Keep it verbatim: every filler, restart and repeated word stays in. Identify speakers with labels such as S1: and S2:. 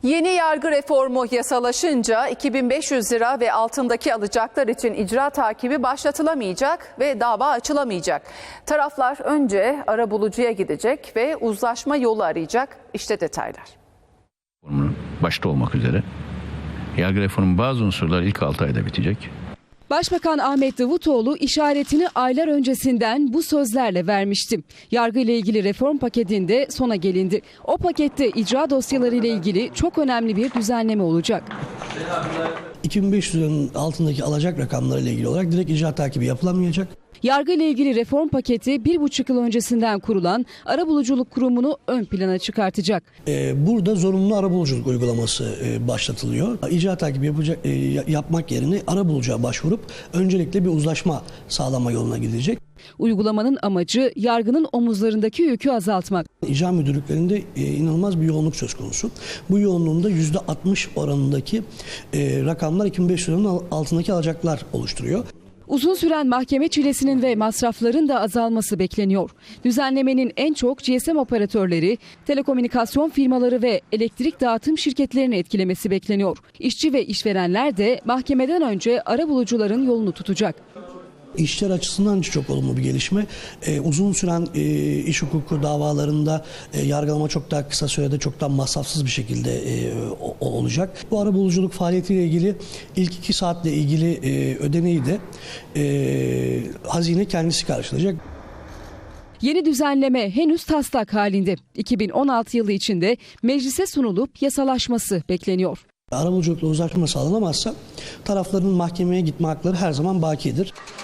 S1: Yeni yargı reformu yasalaşınca iki bin beş yüz lira ve altındaki alacaklar için icra takibi başlatılamayacak ve dava açılamayacak. Taraflar önce arabulucuya gidecek ve uzlaşma yolu arayacak. İşte detaylar.
S2: Başta olmak üzere yargı reformunun bazı unsurları ilk altı ayda bitecek.
S3: Başbakan Ahmet Davutoğlu işaretini aylar öncesinden bu sözlerle vermişti. Yargı ile ilgili reform paketinde sona gelindi. O pakette icra dosyaları ile ilgili çok önemli bir düzenleme olacak.
S4: iki bin beş yüz liranın altındaki alacak rakamları ile ilgili olarak direkt icra takibi yapılamayacak.
S3: Yargı ile ilgili reform paketi bir buçuk yıl öncesinden kurulan Arabuluculuk Kurumu'nu ön plana çıkartacak.
S4: Ee, burada zorunlu arabuluculuk uygulaması e, başlatılıyor. İcra takibi yapacak, e, yapmak yerine arabulucuya başvurup öncelikle bir uzlaşma sağlama yoluna gidecek.
S3: Uygulamanın amacı yargının omuzlarındaki yükü azaltmak.
S4: İcra müdürlüklerinde e, inanılmaz bir yoğunluk söz konusu. Bu yoğunluğunda yüzde altmış oranındaki e, rakamlar iki bin beş yüz liranın altındaki alacaklar oluşturuyor.
S3: Uzun süren mahkeme çilesinin ve masrafların da azalması bekleniyor. Düzenlemenin en çok G S M operatörleri, telekomünikasyon firmaları ve elektrik dağıtım şirketlerini etkilemesi bekleniyor. İşçi ve işverenler de mahkemeden önce arabulucuların yolunu tutacak.
S4: İşçiler açısından çok olumlu bir gelişme. Ee, uzun süren e, iş hukuku davalarında e, yargılama çok daha kısa sürede çok daha masrafsız bir şekilde e, o, o olacak. Bu arabuluculuk faaliyetiyle ilgili ilk iki saatle ilgili e, ödeneği de e, hazine kendisi karşılayacak.
S3: Yeni düzenleme henüz taslak halinde. iki bin on altı yılı içinde meclise sunulup yasalaşması bekleniyor.
S4: Arabuluculukla uzlaşma sağlanamazsa tarafların mahkemeye gitme hakları her zaman bakidir.